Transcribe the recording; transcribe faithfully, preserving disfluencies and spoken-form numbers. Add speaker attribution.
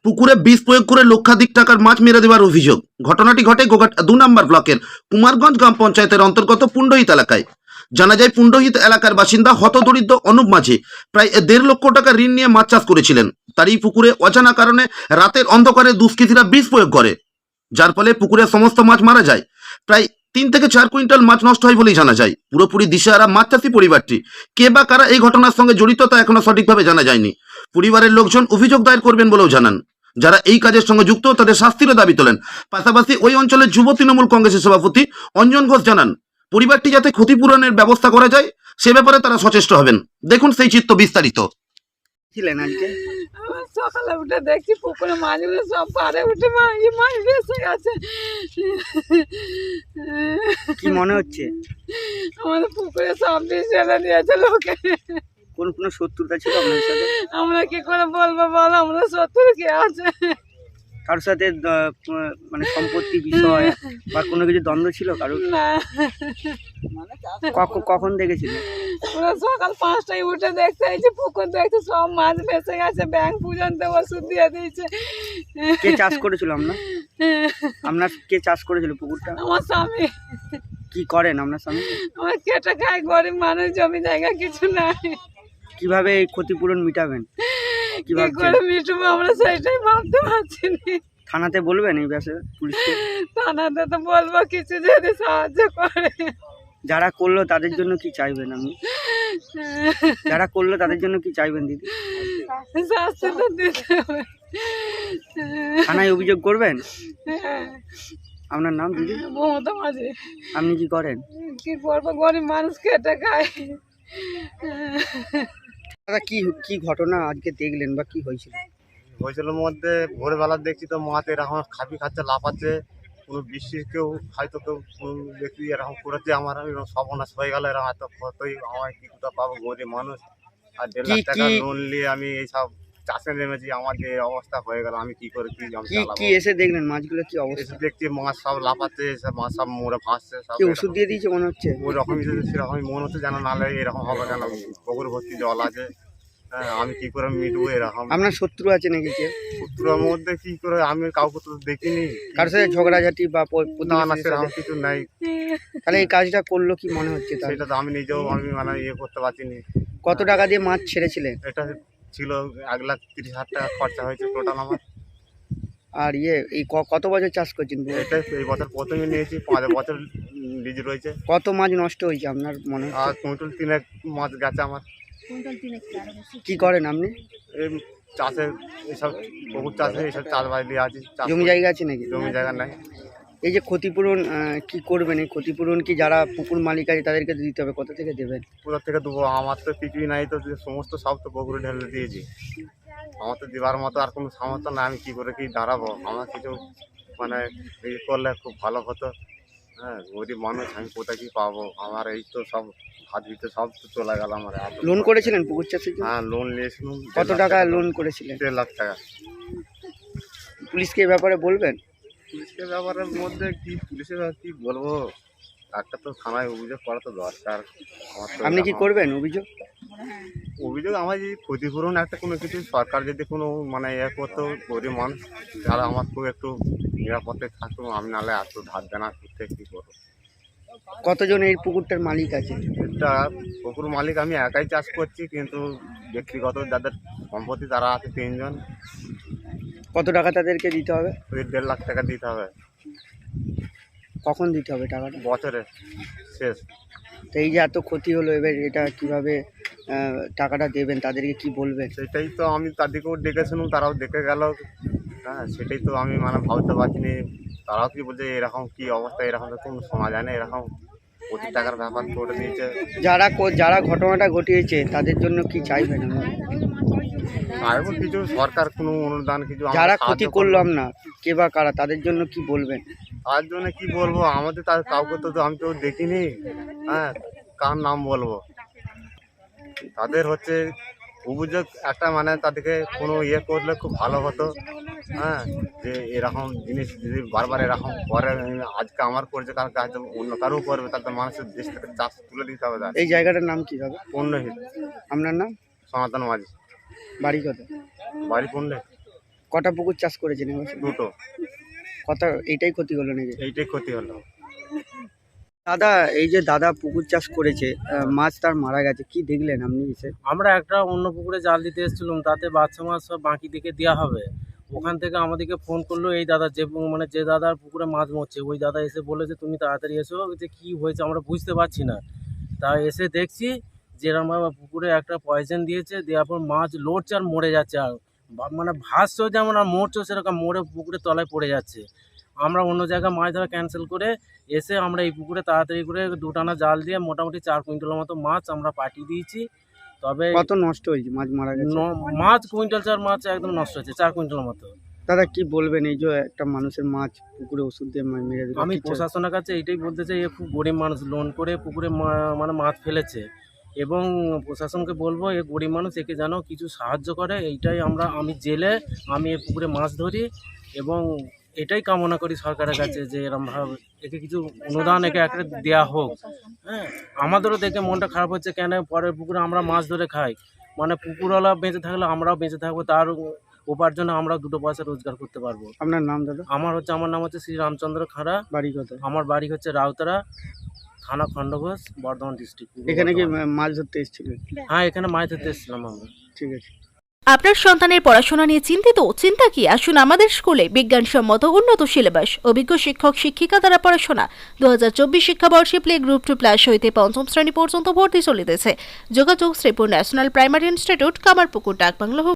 Speaker 1: পুকুরে বিষ প্রয়োগ করে লক্ষাধিক টাকার মাছ মেরে দেওয়ার অভিযোগ। ঘটনাটি ঘটে গোঘাট দু নম্বর ব্লকের কুমারগঞ্জ গ্রাম পঞ্চায়েতের অন্তর্গত পুণ্ডহিত এলাকায়। জানা যায়, পুণ্ডহিত এলাকার বাসিন্দা হতদরিদ্র অনুপ মাঝি প্রায় দেড় লক্ষ টাকা ঋণ নিয়ে মাছ চাষ করেছিলেন। তারই পুকুরে অজানা কারণে রাতের অন্ধকারে দুষ্কৃতীরা বিষ প্রয়োগ করে, যার ফলে পুকুরের সমস্ত মাছ মারা যায়। প্রায় তিন থেকে চার কুইন্টাল মাছ নষ্ট হয় বলেই জানা যায়। পুরোপুরি দিশেহারা মাছ চাষি পরিবারটি। কে বা কারা এই ঘটনার সঙ্গে জড়িত তা এখনো সঠিকভাবে জানা যায়নি। পরিবারের লোকজন অভিযোগ দায়ের করবেন বলেও জানান। যারা এই কাজের সঙ্গে যুক্ত তাদের শাস্তিরও দাবি তোলেন। পাশাপাশি ওই অঞ্চলের যুব তৃণমূল কংগ্রেসের সভাপতি অঞ্জন ঘোষ জানান, পরিবারটি যাতে ক্ষতিপূরণের ব্যবস্থা করা যায় সে ব্যাপারে তারা সচেষ্ট হবেন। দেখুন সেই চিত্র বিস্তারিত।
Speaker 2: ছিলেন আজকে
Speaker 3: আমার সকালে উঠে দেখছি পুকুরে মাছগুলো সব পাড়ে উঠে মাছ মাছ ভেসে গেছে।
Speaker 2: কি মনে হচ্ছে?
Speaker 3: আমাদের পুকুরে সব বিষ ফেলে দিয়েছে লোকে।
Speaker 2: কোন কোনো শত্রুতা ছিল আপনার সাথে?
Speaker 3: আমরা কি করে বলবো বল, আমরা শত্রু কে আছে?
Speaker 2: কারোর সাথে আহ, মানে সম্পত্তি বিষয় বা কোনো কিছু দ্বন্দ্ব ছিল কারোর?
Speaker 3: না,
Speaker 2: কখন কখন দেখেছিল?
Speaker 3: ওরা সকাল পাঁচটায় উঠে দেখতে এই যে পুকুর দেখতে সব মাছ ভেসে গেছে, ব্যাংক পর্যন্ত ওষুধ দিয়ে দিয়েছে।
Speaker 2: কে চাষ করেছিল আপনার? আপনার কে চাষ করেছিল পুকুরটা?
Speaker 3: আমার স্বামী।
Speaker 2: কি করেন আপনার স্বামী?
Speaker 3: আমার কেটে খায়, গরিব মানুষ, জমি জায়গা কিছু নাই।
Speaker 2: কিভাবে এই ক্ষতিপূরণ মিটাবেন? কি
Speaker 3: কি
Speaker 2: ভাবছেন?
Speaker 3: করে মিটবো আমরা সেটাই ভাবতে পারছি না।
Speaker 2: থানাতে বলবেন এই বিষয়ে পুলিশকে?
Speaker 3: থানাতে তো বলবো কিছু যদি সাহায্য করে।
Speaker 2: যারা করলো তাদের জন্য কি চাইবেন আপনি? যারা করলো তাদের জন্য কি চাইবেন দিদি?
Speaker 3: শাস্তি তো দিতে হবে।
Speaker 2: থানায় অভিযোগ করবেন? আপনার নাম দিদি?
Speaker 3: মমতা মাঝে
Speaker 2: আপনি কি করেন?
Speaker 3: কি করবো, গরিব মানুষ খেটে খায়।
Speaker 2: দাদা কি কি ঘটনা আজকে দেখলেন বা কি হয়েছিল?
Speaker 4: হয়েছিল মধ্যে ভোরবেলা দেখছি তো মাছ এরকম খাবি খাচ্ছে, লাফাচ্ছে। কোনো বৃষ্টির কেউ হয়তো কেউ কোনো ব্যক্তি এরকম করেছে, আমার এরকম সর্বনাশ হয়ে গেল। এরকম এত ক্ষতই, আমার কি কোথা পাবো, গরিব মানুষ। আর দেড় লাখ
Speaker 2: কি-
Speaker 4: টাকা
Speaker 2: কি-
Speaker 4: লোন নিয়ে আমি এইসব চাষে নেমেছি, আমার যে অবস্থা হয়ে গেল, আমি কি করে কি আমি
Speaker 2: কি
Speaker 4: চালাবো?
Speaker 2: কি এসে দেখলেন মাছগুলো কি অবস্থা?
Speaker 4: এসে দেখছি মাছ সব লাফাচ্ছে, সব মাছ সব মরে ভাসছে সব।
Speaker 2: কি ওষুধ দিয়ে দিয়েছে মনে হচ্ছে?
Speaker 4: ওই রকমই যদি সেরকমই মনে হচ্ছে, যেন নাহলে এরকম হবে কেন? পুকুর ভর্তি জল আছে, হ্যাঁ, আমি কি করে মিটবো এরকম?
Speaker 2: আপনার শত্রু আছে নাকি কে?
Speaker 4: পুত্রের মধ্যে কি করে, আমি কাউকে তো দেখিনি।
Speaker 2: কারোর সাথে ঝগড়াঝাটি বা প-
Speaker 4: না না,
Speaker 2: প্রতিবেশীদের
Speaker 4: সেরকম
Speaker 2: সাথে?
Speaker 4: কিছু নাই।
Speaker 2: তাহলে এই কাজটা করলো কি মনে হচ্ছে তার?
Speaker 4: সেটা তো আমি নিজেও আমি মানে ইয়ে করতে পারছিনি।
Speaker 2: কত টাকা দিয়ে মাছ ছেড়েছিলেন?
Speaker 4: এটা ছিল এক লাখ তিরিশ হাজার টাকা খরচা হয়েছে টোটাল আমার।
Speaker 2: আর ইয়ে এই ক- কত বছর চাষ করছেন?
Speaker 4: এটা এই বছর প্রথমে নিয়েছি, পাঁচ বছর লিজ রয়েছে।
Speaker 2: কত মাছ নষ্ট হয়েছে আপনার মনে হচ্ছে?
Speaker 4: আর কুইন্টাল তিনেক মাছ গেছে আমার।
Speaker 2: কি করেন আপনি?
Speaker 4: এই চাষে এইসব পুকুর চাষে এইসব চাষবাস দিয়ে আছি। চাষ
Speaker 2: জমি
Speaker 4: করি।
Speaker 2: জায়গা আছে নাকি?
Speaker 4: জমি জায়গা নাই।
Speaker 2: এই যে ক্ষতিপূরণ আহ, কি করবেন? এই ক্ষতিপূরণ কি যারা পুকুর মালিক আছে তাদেরকে দিতে হবে? কোথা থেকে দেবেন?
Speaker 4: কোথা থেকে দেবো? আমার তো কিছুই নাই, তো যে সমস্ত সব তো পুকুরে ঢেলে দিয়েছি। আমার তো দেওয়ার মতো আর কোনো সামর্থ্য না, আমি কি করে কি দাঁড়াবো? আমার কিছু মানে ইয়ে করলে খুব ভালো হতো। হ্যাঁ, গরিব মানুষ, আমি কোথায় কি পাবো? আমার এই তো সব হাত ভিতরে সব তো চলে গেল আমার। এত
Speaker 2: লোন করেছিলেন পুকুর চাষের জন্য?
Speaker 4: হ্যাঁ, লোন নিয়েছিলাম।
Speaker 2: কত টাকা লোন করেছিলেন?
Speaker 4: দেড় লাখ টাকা।
Speaker 2: পুলিশকে এই ব্যাপারে বলবেন?
Speaker 4: পুলিশের ব্যাপারের মধ্যে কি পুলিশের আর কি বলবো? একটা তো থানায় অভিযোগ করা তো দরকার। আমার তো
Speaker 2: আপনি কি
Speaker 4: এরকম-
Speaker 2: করবেন অভিযোগ?
Speaker 4: অভিযোগ আমার যদি ক্ষতিপূরণ একটা কোনো কিছু সরকার যদি কোনো মানে ইয়ে করতো, গরিব মানুষ যারা, আমার খুব একটু নিরাপদে থাকতো। আমি নাহলে এত ধার দেনা করতে কী করবো?
Speaker 2: কতজন এই পুকুরটার মালিক আছে?
Speaker 4: এটা পুকুর মালিক আমি একাই চাষ করছি, কিন্তু ব্যক্তিগত যাদের সম্পত্তি তারা আছে তিনজন।
Speaker 2: কত টাকা তাদেরকে দিতে হবে?
Speaker 4: ওই দেড় লাখ টাকা দিতে হবে
Speaker 2: কখন দিতে হবে টাকাটা?
Speaker 4: বছরে শেষ।
Speaker 2: তো এই যে এত ক্ষতি হলো, এবার এটা কিভাবে আহ, টাকাটা দেবেন? তাদেরকে কি বলবেন?
Speaker 4: সেটাই তো আমি তাদেরকেও ডেকেছিলাম, তারাও দেখে গেল। হ্যাঁ, সেটাই তো আমি মানে ভাবতে পারছিনি। তারাও কি বলছে এরকম কি অবস্থা, এরকম তো কোনো শোনা যায় না, এরকম কোটি টাকার ব্যাপার করে দিয়েছে।
Speaker 2: যারা কো- যারা ঘটনাটা ঘটিয়েছে তাদের জন্য কি চাইবেন আপনারা?
Speaker 4: আর কিছু সরকার কোনো অনুদান কিছু আমাদের
Speaker 2: যারা
Speaker 4: সাহায্য
Speaker 2: ক্ষতি করলো আপনার কে বা কারা, তাদের জন্য কি বলবেন?
Speaker 4: তার জন্য কি বলবো? আমাদের তার কাউকে তো আমি তো দেখিনি। হ্যাঁ, কার নাম বলবো? তাদের হচ্ছে অভিযোগ একটা, মানে তাদেরকে কোনো ইয়ে করলে খুব ভালো হতো। হ্যাঁ, যে এরকম জিনিস যদি বারবার এরকম করে, আজকে আমার করছে কালকে হয়তো অন্য কারও করবে, তাহলে তো মানুষের দেশ থেকে চাষ তুলে দিতে হবে। তার
Speaker 2: এই জায়গাটার নাম কি হবে?
Speaker 4: পণ্যহীন
Speaker 2: আপনার নাম?
Speaker 4: সনাতন মাঝি,
Speaker 2: বাড়ি কত?
Speaker 4: বাড়ি পণ্যে।
Speaker 2: কটা পুকুর চাষ করেছেন এবছর?
Speaker 4: দুটো,
Speaker 2: কটা এইটাই ক্ষতি হলো নাকি?
Speaker 4: এইটাই ক্ষতি হলো।
Speaker 2: দাদা, এই যে দাদা পুকুর চাষ করেছে, আহ, মাছ তার মারা গেছে, কি দেখলেন আপনি এসে?
Speaker 5: আমরা একটা অন্য পুকুরে জাল দিতে এসেছিলাম, তাতে বাচ্চা মাছ সব বাকি দিকে দেওয়া হবে। ওখান থেকে আমাদেরকে ফোন করলো এই দাদা, যে পু- মানে যে দাদার পুকুরে মাছ মরছে, ওই দাদা এসে বলে যে তুমি তাড়াতাড়ি এসো, যে কী হয়েছে আমরা বুঝতে পারছি না। তা এসে দেখছি যে এরম ভাবে পুকুরে একটা পয়জন দিয়েছে, দেওয়ার পর মাছ লড়ছে আর মরে যাচ্ছে, আর বা- মানে ভাসছেও যেমন আর মরছেও সেরকম, মরে পুকুরের তলায় পড়ে যাচ্ছে। আমরা অন্য জায়গায় মাছ ধরা ক্যান্সেল করে এসে আমরা এই পুকুরে তাড়াতাড়ি করে দুটানা জাল দিয়ে মোটামুটি চার কুইন্টালের মতো মাছ আমরা পাঠিয়ে দিয়েছি। তবে
Speaker 2: কত নষ্ট হয়েছে, মাছ মারা গেছে?
Speaker 5: ন- মাছ কুইন্টাল চার মাছ একদম নষ্ট হয়েছে, চার কুইন্টালের মতো।
Speaker 2: দাদা কি বলবেন, এই যে একটা মানুষের মাছ পুকুরে ওষুধ দিয়ে মা- মেরে দিল,
Speaker 5: আমি
Speaker 2: কি চাই?
Speaker 5: প্রশাসনের কাছে এইটাই বলতে চাই, এ খুব গরিব মানুষ, লোন করে পুকুরে মা- মানে মাছ ফেলেছে, এবং প্রশাসনকে বলবো এ গরিব মানুষ, একে যেন কিছু সাহায্য করে। এইটাই আমরা, আমি জেলে আমি এ পুকুরে মাছ ধরি, এবং এটাই কামনা করি সরকারের কাছে যে এরমভাবে একে কিছু অনুদান একে একটা দেওয়া হোক। হ্যাঁ, আমাদেরও দেখে মনটা খারাপ হচ্ছে, কেন পরের পুকুরে আমরা মাছ ধরে খাই, মানে পুকুরওয়ালা বেঁচে থাকলে আমরাও বেঁচে থাকবো, তার উপার্জনে আমরা দুটো পয়সা রোজগার করতে পারবো।
Speaker 2: আপনার নাম দাদা?
Speaker 5: আমার হচ্ছে আমার নাম হচ্ছে শ্রী রামচন্দ্র খাঁড়া।
Speaker 2: বাড়ি কথা?
Speaker 5: আমার বাড়ি হচ্ছে রাউতারা, থানা খণ্ডঘোষ, বর্ধমান ডিস্ট্রিক্ট।
Speaker 2: এখানে কি মা- মাছ ধরতে এসেছিলেন?
Speaker 5: হ্যাঁ, এখানে মাছ ধরতে এসেছিলাম আমরা।
Speaker 2: ঠিক আছে।
Speaker 6: আপনার সন্তানের পড়াশোনা নিয়ে চিন্তিত? চিন্তা কি, আসুন আমাদের স্কুলে। বিজ্ঞানসম্মত উন্নত সিলেবাস, অভিজ্ঞ শিক্ষক শিক্ষিকা দ্বারা পড়াশোনা। দু হাজার চব্বিশ শিক্ষাবর্ষে প্লে গ্রুপ টু প্লাস হইতে পঞ্চম শ্রেণী পর্যন্ত ভর্তি চলিতেছে। যোগাযোগ Sripur national primary institute, Kamarpukur, ডাকবাংলা।